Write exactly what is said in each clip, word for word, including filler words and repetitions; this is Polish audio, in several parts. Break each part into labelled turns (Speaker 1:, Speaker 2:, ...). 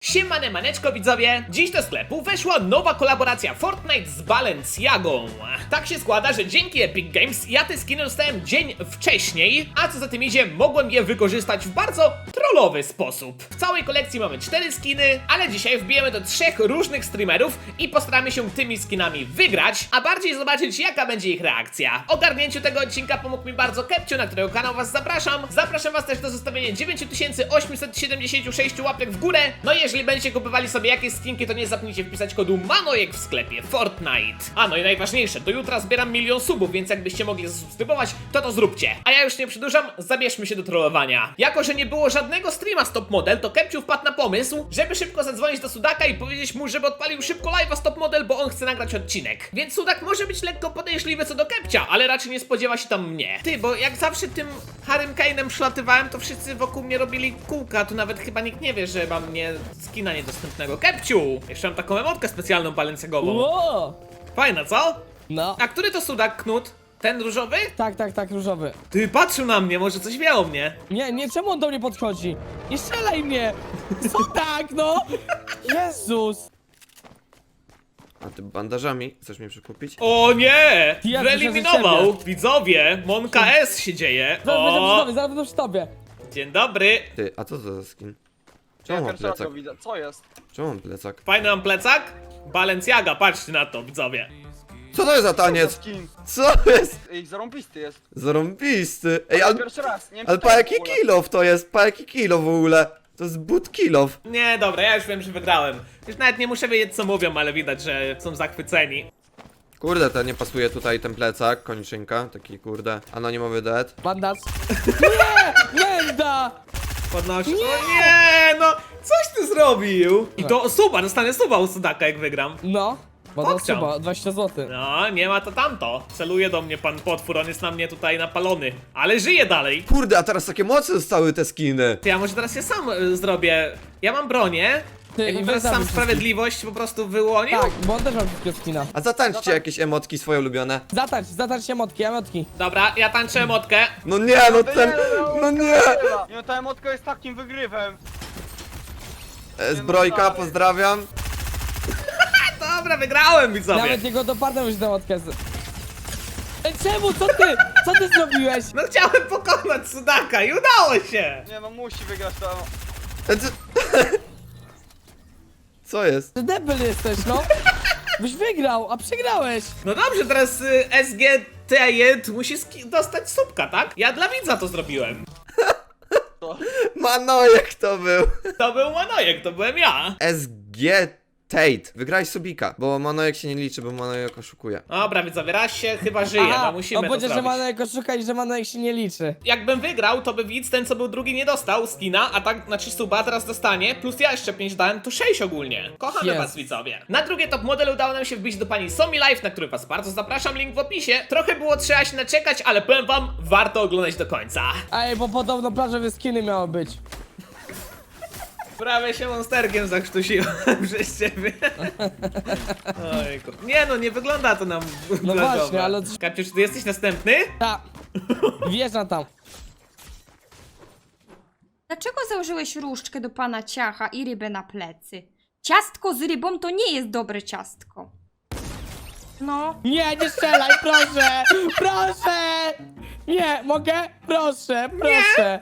Speaker 1: Siemane maneczko widzowie! Dziś do sklepu weszła nowa kolaboracja Fortnite z Balenciagą. Tak się składa, że dzięki Epic Games ja te skiny dostałem dzień wcześniej, a co za tym idzie, mogłem je wykorzystać w bardzo trollowy sposób. W całej kolekcji mamy cztery skiny, ale dzisiaj wbijemy do trzech różnych streamerów i postaramy się tymi skinami wygrać, a bardziej zobaczyć jaka będzie ich reakcja. W ogarnięciu tego odcinka pomógł mi bardzo Kepciu, na którego kanał was zapraszam. Zapraszam was też do zostawienia dziewięć tysięcy osiemset siedemdziesiąt sześć łapek w górę. No i jeżeli będziecie kupowali sobie jakieś skinki, to nie zapomnijcie wpisać kodu MANOJEK w sklepie Fortnite. A no i najważniejsze, do jutra zbieram milion subów, więc jakbyście mogli zasubskrybować, to to zróbcie. A ja już nie przedłużam, zabierzmy się do trollowania. Jako że nie było żadnego streama z Top Model, to Kepciu wpadł na pomysł, żeby szybko zadzwonić do Sudaka i powiedzieć mu, żeby odpalił szybko live'a z Top Model, bo on chce nagrać odcinek. Więc Sudak może być lekko podejrzliwy co do Kepcia, ale raczej nie spodziewa się tam mnie. Ty, bo jak zawsze tym Harrym Kane'em przylatywałem, to wszyscy wokół mnie robili kółka, tu nawet chyba nikt nie wie, że mam nie skina niedostępnego. Kepciu! Jeszcze mam taką emotkę specjalną balenciagową.
Speaker 2: Ło!
Speaker 1: Fajna, co?
Speaker 2: No.
Speaker 1: A który to Sudak, Knut? Ten różowy?
Speaker 2: Tak, tak, tak, różowy.
Speaker 1: Ty, patrzył na mnie, może coś wie o mnie.
Speaker 2: Nie, nie, czemu on do mnie podchodzi? Nie strzelaj mnie! Co tak, no? Jezus!
Speaker 3: A ty bandażami chcesz mnie przekupić?
Speaker 1: O nie!
Speaker 2: Ja
Speaker 1: Wyeliminował!
Speaker 2: słyszę
Speaker 1: Widzowie, Monka S się dzieje.
Speaker 2: Zaraz będę przy
Speaker 1: O,
Speaker 2: tobie, zaraz będę przy tobie.
Speaker 1: dzień dobry.
Speaker 3: Ty, a co to za skin?
Speaker 4: Ja
Speaker 3: Czemu mam
Speaker 4: pierwszy raz
Speaker 3: plecak?
Speaker 4: go widzę. Co jest?
Speaker 3: Czemu mam plecak?
Speaker 1: Fajny mam plecak? Balenciaga, patrzcie na to, widzowie.
Speaker 3: Co to jest za
Speaker 4: Co
Speaker 3: taniec?
Speaker 4: skin?
Speaker 3: Co jest?
Speaker 4: Ej, zarąbisty jest.
Speaker 3: Zarąbisty. Ej,
Speaker 4: Ale
Speaker 3: ale,
Speaker 4: pierwszy raz. Nie wiem,
Speaker 3: ale
Speaker 4: czy to
Speaker 3: pa
Speaker 4: jest w
Speaker 3: jaki
Speaker 4: ogóle.
Speaker 3: kilof to jest? Pa jaki kilof w ogóle? To jest but kilof.
Speaker 1: Nie, dobra, ja już wiem, że wygrałem. Już nawet nie muszę wiedzieć co mówią, ale widać, że są zachwyceni.
Speaker 3: Kurde, to nie pasuje tutaj ten plecak, koniczynka, taki kurde, anonimowy dead.
Speaker 2: Bandaż. Nie! Menda!
Speaker 1: Podnosi. O nie, no, coś ty zrobił. I to suba, dostanę suba u Sudaka jak wygram.
Speaker 2: No. Bo to
Speaker 1: Pokciał.
Speaker 2: chyba dwadzieścia złotych.
Speaker 1: No, nie ma to tamto. Celuje do mnie pan potwór, on jest na mnie tutaj napalony. Ale żyje dalej.
Speaker 3: Kurde, a teraz takie mocy zostały te skiny.
Speaker 1: Ty, ja może teraz ja sam y, zrobię. Ja mam bronię.
Speaker 2: Ty,
Speaker 1: Jakbym
Speaker 2: i
Speaker 1: teraz
Speaker 2: weź
Speaker 1: sam
Speaker 2: zabij
Speaker 1: sprawiedliwość po prostu wyłonił.
Speaker 2: Tak, bo on też ma wszystkie skina.
Speaker 3: A zatańczcie jakieś emotki swoje ulubione.
Speaker 2: Zatacz, zatacz się motki, emotki.
Speaker 1: Dobra, ja tańczę emotkę.
Speaker 3: No nie, no ten, no nie.
Speaker 4: Nie, no ta emotka jest takim wygrywem.
Speaker 3: E, Zbrojka, pozdrawiam.
Speaker 1: Dobra, wygrałem, widzowie.
Speaker 2: Nawet jego dopadłem już tę motkę. z- Ej, czemu? Co ty? Co ty zrobiłeś?
Speaker 1: No chciałem pokonać Sudaka i udało się.
Speaker 4: Nie no, musi wygrać to.
Speaker 3: E, co- Co jest?
Speaker 2: Ty debil jesteś, no. Byś wygrał, a przegrałeś.
Speaker 1: No dobrze, teraz y, S G T J musi ski- dostać subka, tak? Ja dla widza to zrobiłem.
Speaker 3: Manojek to był.
Speaker 1: To był Manojek, to byłem ja.
Speaker 3: S G Tate. Wygrałeś subika, bo Manojek się nie liczy, bo Manojek oszukuje.
Speaker 1: Dobra, widzowie, raz się chyba żyje, no musimy
Speaker 2: on
Speaker 1: to
Speaker 2: powiedział, że
Speaker 1: zrobić.
Speaker 2: Manojek oszuka i że Manojek się nie liczy.
Speaker 1: Jakbym wygrał, to by widz, ten co był drugi nie dostał skina, a tak, znaczy suba teraz dostanie, plus ja jeszcze pięć dałem, to sześć ogólnie. Kochamy
Speaker 2: Jest.
Speaker 1: was, widzowie. Na drugie top model udało nam się wbić do pani Somi Live, na który was bardzo zapraszam, link w opisie. Trochę było trzeba się naczekać, ale powiem wam, warto oglądać do końca.
Speaker 2: Ej, bo podobno plażowe skiny miały być.
Speaker 1: Prawie się monsterkiem zakrztusiłem przez ciebie. Ojku. Nie no, nie wygląda to nam
Speaker 2: No
Speaker 1: plażowo.
Speaker 2: właśnie, ale-
Speaker 1: Kapciu, czy ty jesteś następny?
Speaker 2: Ta. Wjeżdżam tam.
Speaker 5: Dlaczego założyłeś różdżkę do pana ciacha i rybę na plecy? Ciastko z rybą to nie jest dobre ciastko. No,
Speaker 2: Nie, nie strzelaj, proszę! Proszę! Nie, mogę? Proszę, proszę!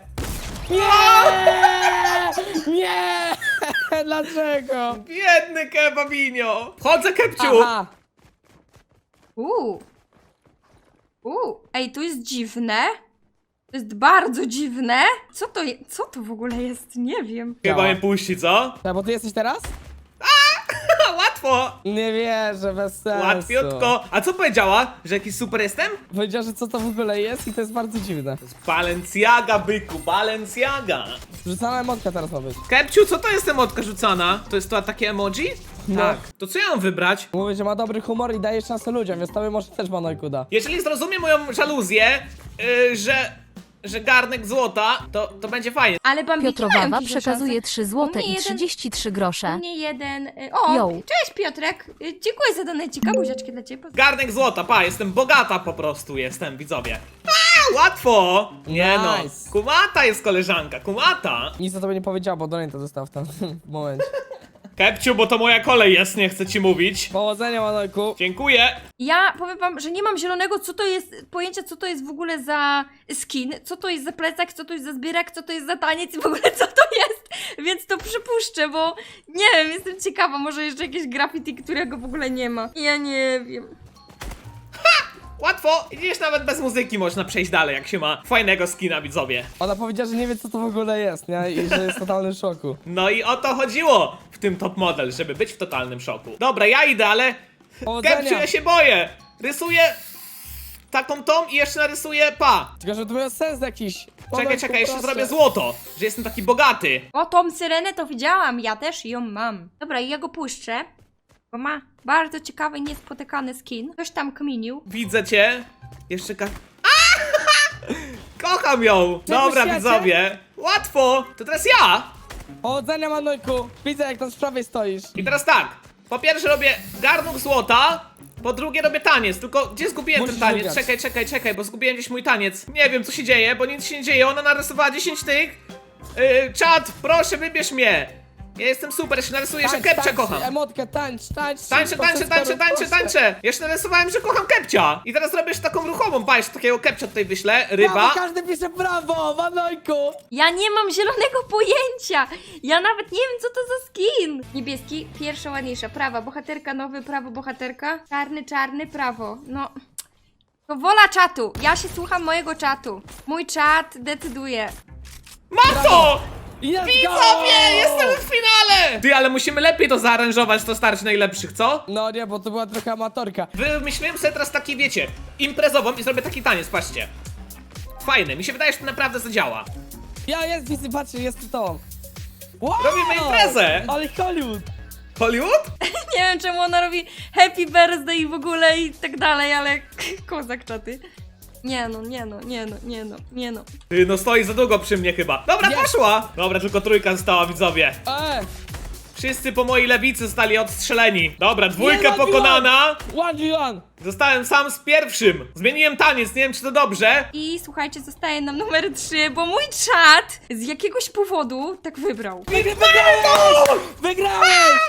Speaker 2: Nie! Nie! Dlaczego?
Speaker 1: Biedny kebabinio! Chodzę, Kepciu!
Speaker 2: Aha!
Speaker 5: uuu. Uuu, ej, to jest dziwne. To jest bardzo dziwne. Co to je, co to w ogóle jest? Nie wiem.
Speaker 1: Chyba mnie puści, co?
Speaker 2: Tak, bo ty jesteś teraz?
Speaker 1: Ha, łatwo!
Speaker 2: Nie wierzę, bez sensu.
Speaker 1: Łatwiutko. A co powiedziała? Że jakiś super jestem?
Speaker 2: Powiedział, że co to w ogóle jest i to jest bardzo dziwne.
Speaker 1: Balenciaga, byku, Balenciaga.
Speaker 2: Rzucana emotka teraz ma być.
Speaker 1: Kepciu, co to jest emotka rzucana? To jest to takie emoji?
Speaker 2: No.
Speaker 1: Tak. To co ja mam wybrać?
Speaker 2: Mówi, że ma dobry humor i daje szansę ludziom, więc tobie może też Manojku da.
Speaker 1: Jeżeli zrozumie moją żaluzję, yy, że... że garnek złota, to, to będzie fajnie.
Speaker 5: Ale Bambiki
Speaker 6: Piotrowawa
Speaker 5: mają duże
Speaker 6: przekazuje
Speaker 5: szanse.
Speaker 6: trzy złote
Speaker 5: U mnie
Speaker 6: i
Speaker 5: jeden-
Speaker 6: trzydzieści trzy
Speaker 5: U
Speaker 6: grosze.
Speaker 5: mnie jeden... y, O,
Speaker 6: Yo.
Speaker 5: cześć Piotrek. Y, Dziękuję za donecika, buziaczki dla ciebie.
Speaker 1: Garnek złota, pa, jestem bogata po prostu, jestem, widzowie. A, łatwo! Nie no,
Speaker 2: Nice.
Speaker 1: kumata jest koleżanka, kumata.
Speaker 2: Nic o tobie nie powiedział, bo Donate to dostał w tym momencie.
Speaker 1: Kepciu, bo to moja kolej jest, nie chcę ci mówić.
Speaker 2: Powodzenia, Manojku.
Speaker 1: Dziękuję.
Speaker 5: Ja powiem wam, że nie mam zielonego, co to jest, pojęcia, co to jest w ogóle za skin, co to jest za plecak, co to jest za zbierak, co to jest za taniec i w ogóle co to jest, więc to przypuszczę, bo nie wiem, jestem ciekawa, może jeszcze jakieś graffiti, którego w ogóle nie ma. Ja nie wiem.
Speaker 1: Łatwo. Widzisz, nawet bez muzyki można przejść dalej, jak się ma fajnego skina, widzowie.
Speaker 2: Ona powiedziała, że nie wie, co to w ogóle jest, nie? I że jest w totalnym szoku.
Speaker 1: No i o to chodziło w tym top model, żeby być w totalnym szoku. Dobra, ja idę, ale...
Speaker 2: Powodzenia.
Speaker 1: Kepciu, ja się boję. Rysuję taką tą i jeszcze narysuję pa.
Speaker 2: Tylko, że to miał sens jakiś.
Speaker 1: Czekaj,
Speaker 2: Manojku,
Speaker 1: czekaj, jeszcze
Speaker 2: proszę.
Speaker 1: zrobię złoto, że jestem taki bogaty.
Speaker 5: O, tą syrenę to widziałam, ja też ją mam. Dobra, i ja go puszczę, bo ma bardzo ciekawy, niespotykany skin. Ktoś tam kminił.
Speaker 1: Widzę cię. Jeszcze ka... A! Kocham ją. Dobra,
Speaker 2: świecie?
Speaker 1: widzowie. Łatwo. To teraz ja.
Speaker 2: Powodzenia, Manojku. Widzę, jak tam z prawej stoisz.
Speaker 1: I teraz tak. Po pierwsze robię garnuk złota. Po drugie robię taniec, tylko gdzie zgubiłem
Speaker 2: Musisz
Speaker 1: ten taniec?
Speaker 2: wygrać.
Speaker 1: Czekaj, czekaj, czekaj, bo zgubiłem gdzieś mój taniec. Nie wiem co się dzieje, bo nic się nie dzieje. Ona narysowała dziesięć tych. Yy, czat, proszę wybierz mnie. Ja jestem super, jeszcze narysuję, że Kepcia kocham.
Speaker 2: Emotkę, tańcz, tańcz.
Speaker 1: Tańczę,
Speaker 2: szybko,
Speaker 1: tańczę,
Speaker 2: szybko,
Speaker 1: tańczę, tańczę,
Speaker 2: proszę.
Speaker 1: tańczę! Jeszcze narysowałem, że kocham Kepcia! I teraz robisz taką ruchową, patrz, takiego Kepcia tutaj wyślę,
Speaker 2: Brawo,
Speaker 1: ryba.
Speaker 2: każdy pisze brawo, Manojku.
Speaker 5: Ja nie mam zielonego pojęcia! Ja nawet nie wiem, co to za skin! Niebieski, pierwsza ładniejsza, prawa, bohaterka nowy, prawo, bohaterka. Czarny, czarny, prawo. No... To wola czatu! Ja się słucham mojego czatu. Mój czat decyduje.
Speaker 1: Mam to!
Speaker 2: Let's go!
Speaker 1: Widzowie, jestem w finale! Ty, ale musimy lepiej to zaaranżować, to starczy najlepszych, co?
Speaker 2: No nie, bo to była trochę amatorka.
Speaker 1: Wymyśliłem sobie teraz taki, wiecie, imprezową i zrobię taki taniec, patrzcie. Fajny, mi się wydaje, że to naprawdę zadziała.
Speaker 2: Ja, jest, widzę, patrzcie, jest tu to. Wow!
Speaker 1: Robimy imprezę!
Speaker 2: Ale Hollywood!
Speaker 1: Hollywood?
Speaker 5: Nie wiem, czemu ona robi happy birthday i w ogóle i tak dalej, ale kozak czaty. Nie no, nie no, nie no, nie no, nie no.
Speaker 1: Ty, no stoi za długo przy mnie chyba. Dobra,
Speaker 2: Jest.
Speaker 1: poszła! Dobra, tylko trójka została, widzowie.
Speaker 2: Eee!
Speaker 1: Wszyscy po mojej lewicy zostali odstrzeleni. Dobra, dwójka
Speaker 2: Nie,
Speaker 1: pokonana.
Speaker 2: One v one!
Speaker 1: Zostałem sam z pierwszym. Zmieniłem taniec, nie wiem czy to dobrze.
Speaker 5: I słuchajcie, zostaje nam numer trzy, bo mój czat z jakiegoś powodu tak wybrał.
Speaker 2: Wygrałeś! Wygrałeś!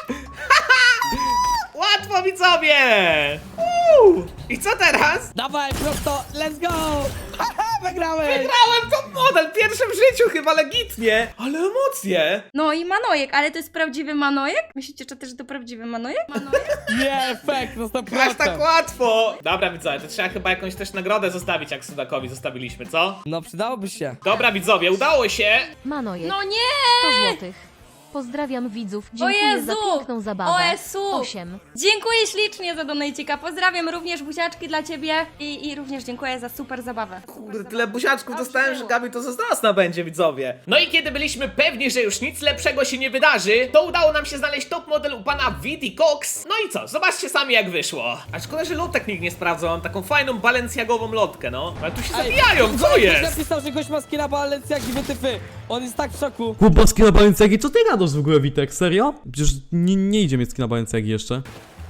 Speaker 1: Łatwo, widzowie! Uuu. I co teraz?
Speaker 2: Dawaj, prosto, let's go! Haha, wygrałeś!
Speaker 1: Wygrałem top model, pierwszy w życiu chyba legitnie. Ale emocje.
Speaker 5: No i Manojek, ale to jest prawdziwy Manojek? Myślicie, czy też to prawdziwy Manojek? Manojek?
Speaker 2: Nie, fake, no sto
Speaker 1: Aż
Speaker 2: procent.
Speaker 1: tak łatwo. Dobra, widzowie, to trzeba chyba jakąś też nagrodę zostawić, jak Sudakowi zostawiliśmy, co?
Speaker 2: No przydałoby się.
Speaker 1: Dobra, widzowie, udało się.
Speaker 6: Manojek,
Speaker 5: No nie!
Speaker 6: sto złotych. Pozdrawiam widzów, dziękuję
Speaker 5: Jezu!
Speaker 6: za piękną zabawę.
Speaker 5: O Jezu!
Speaker 6: osiem.
Speaker 5: Dziękuję ślicznie za donajcika. Pozdrawiam również buziaczki dla ciebie i, i również dziękuję za super zabawę.
Speaker 1: Kurde, tyle buziaczków dostałem, że Gabi to zazdrosna będzie, widzowie. No i kiedy byliśmy pewni, że już nic lepszego się nie wydarzy, to udało nam się znaleźć top model u pana Vidi Cox. No i co, zobaczcie sami jak wyszło. A szkoda, że lotek nikt nie sprawdzał, mam taką fajną balencjagową lotkę, no. Ale tu się zabijają, co
Speaker 2: Ktoś
Speaker 1: jest?
Speaker 2: napisał, że gość ma skina Balenciagi, wytyfy. On jest tak w szoku.
Speaker 7: Chłopowski na Balenciagi, co ty gadasz w ogóle, Witek? Serio? Przecież nie, nie idzie mieć na Balenciagi jeszcze.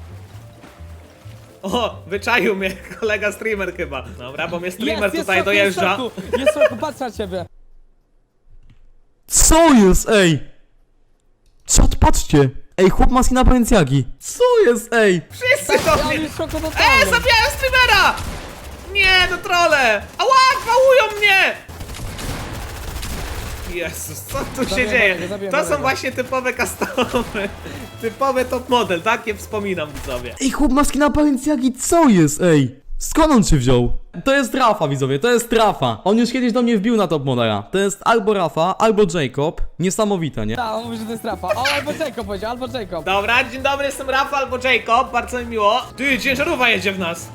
Speaker 1: O, wyczaił mnie kolega streamer chyba. Dobra, bo mnie streamer
Speaker 2: jest,
Speaker 1: tutaj
Speaker 2: jest w szoku,
Speaker 1: dojeżdża.
Speaker 2: Jest w szoku, jest w szoku, patrz na ciebie.
Speaker 7: Co jest, ej? Czat, patrzcie! Ej, chłop ma skina Balenciagi. Co jest, ej?
Speaker 1: Wszyscy
Speaker 2: Ja
Speaker 1: do
Speaker 2: on
Speaker 1: mnie.
Speaker 2: jest w szoku
Speaker 1: Eee,
Speaker 2: totalnym.
Speaker 1: zabijałem streamera! Nie, no trole! Ała, gwałują mnie! Jezus, co tu się
Speaker 2: Zabiję
Speaker 1: dzieje?
Speaker 2: Marego, zabiję
Speaker 1: To są
Speaker 2: Marego.
Speaker 1: właśnie typowe customy. Typowe top model, takie wspominam, widzowie.
Speaker 7: Ej, chłop ma skina Balenciagi, co jest, ej? Skąd on się wziął? To jest Rafa, widzowie, to jest Rafa. On już kiedyś do mnie wbił na top modela. To jest albo Rafa, albo Jacob. Niesamowite, nie?
Speaker 2: Tak, on mówi, że to jest Rafa. O, albo Jacob powiedział, albo Jacob.
Speaker 1: Dobra, dzień dobry, jestem Rafa albo Jacob, bardzo mi miło. Ty, ciężarówka jedzie w nas.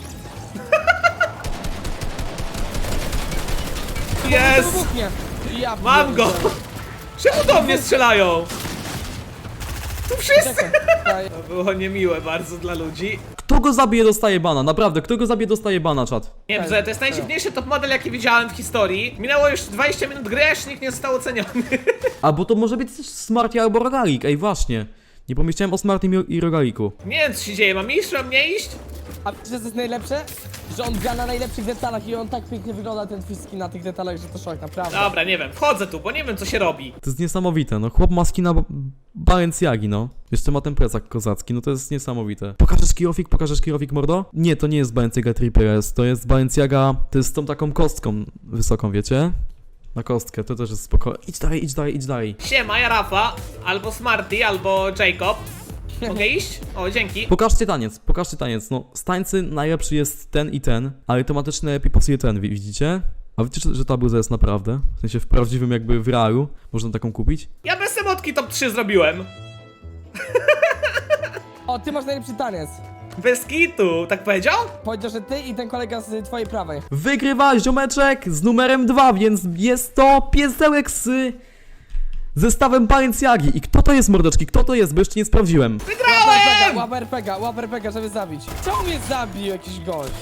Speaker 2: To
Speaker 1: Jest!
Speaker 2: wybuchnie. Ja
Speaker 1: Mam go!
Speaker 2: pierdzielę.
Speaker 1: Czemu do mnie strzelają? Tu wszyscy!
Speaker 2: Czekaj.
Speaker 1: To było niemiłe bardzo dla ludzi.
Speaker 7: Kto go zabije, dostaje bana, naprawdę, kto go zabije, dostaje bana, czat.
Speaker 1: Nie, bze, to jest najdziwniejszy top model, jaki widziałem w historii. Minęło już dwadzieścia minut gry, a jeszcze nikt nie został oceniony.
Speaker 7: Albo to może być też Smarty albo Rogalik, ej, właśnie. Nie pomyślałem o Smartym i Rogaliku.
Speaker 1: Nie wiem, co się dzieje, mam iść, mam nie iść?
Speaker 2: A wiesz, co jest najlepsze? Że on gra na najlepszych detalach i on tak pięknie wygląda, ten twój skin na tych detalach, że to szok, naprawdę.
Speaker 1: Dobra, nie wiem, wchodzę tu, bo nie wiem co się robi.
Speaker 7: To jest niesamowite, no chłop ma skina Ba- Balenciagi, no. Jeszcze ma ten plecak kozacki, no to jest niesamowite. Pokażesz kirowik, pokażesz kirowik, mordo? Nie, to nie jest Balenciaga Triple S, to jest Balenciaga, to jest z tą taką kostką wysoką, wiecie? Na kostkę, to też jest spoko. Idź dalej, idź dalej, idź dalej.
Speaker 1: Siema, ja Rafa, albo Smarty, albo Jacob. Mogę iść? O, dzięki.
Speaker 7: Pokażcie taniec, pokażcie taniec, no z tańcy najlepszy jest ten i ten, ale automatycznie najlepiej pasuje ten, wi- widzicie? A widzicie, że ta bluza jest naprawdę? W sensie w prawdziwym jakby w realu można taką kupić?
Speaker 1: Ja bez emotki top trzy zrobiłem.
Speaker 2: O, ty masz najlepszy taniec.
Speaker 1: Bez kitu, tak powiedział?
Speaker 2: Powiedział, że ty i ten kolega z twojej prawej.
Speaker 7: Wygrywa ziomeczek z numerem dwa, więc jest to piesełek z zestawem Balenciagi. I kto to jest, mordeczki? Kto to jest? Bo jeszcze nie sprawdziłem.
Speaker 1: Wygrałem!
Speaker 2: Łap R P G, łap R P G, żeby zabić. Czemu mnie zabił jakiś gość?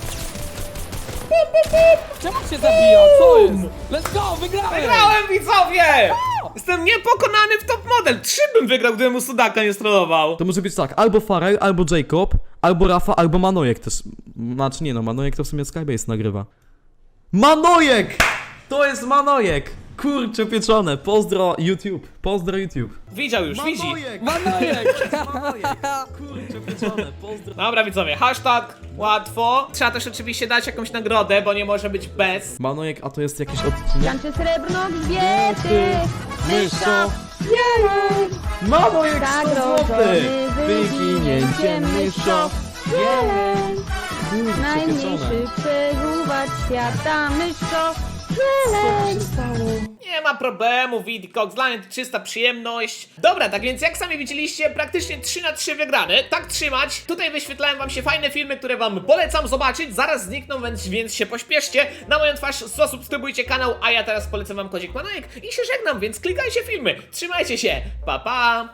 Speaker 2: Czemu cię zabija? Co jest? Let's go, wygrałem!
Speaker 1: Wygrałem, widzowie! Jestem niepokonany w top model. Trzy bym wygrał, gdybym mu Sudaka nie strollował.
Speaker 7: To może być tak, albo Farel, albo Jacob, albo Rafa, albo Manojek też. Znaczy nie no, Manojek to w sumie Skybase nagrywa. Manojek! To jest Manojek! Kurczę pieczone, pozdro YouTube, pozdro YouTube.
Speaker 1: Widział już, widzi.
Speaker 7: Manojek!
Speaker 2: Manojek!
Speaker 7: Manojek! Kurczę pieczone, pozdro.
Speaker 1: Dobra, widzowie, hashtag łatwo. Trzeba też oczywiście dać jakąś nagrodę, bo nie może być bez.
Speaker 7: Manojek, a to jest jakiś odcinek?
Speaker 6: Tańczy srebrno grzbiety,
Speaker 7: Myszo! Manojek sto złotych! Wyginięcie myszo!
Speaker 6: Jeleń,
Speaker 7: Kurczę pieczone.
Speaker 6: najmniejszy przeżuwać świata myszo. Jeleń.
Speaker 1: Nie ma problemu, Widcox, dla mnie to czysta przyjemność. Dobra, tak więc jak sami widzieliście, praktycznie trzy na trzy wygrane. Tak trzymać. Tutaj wyświetlałem wam się fajne filmy, które wam polecam zobaczyć. Zaraz znikną, więc, więc się pośpieszcie. Na moją twarz zasubskrybujcie kanał, a ja teraz polecam wam kodzik Manojek i się żegnam, więc klikajcie filmy. Trzymajcie się, pa pa!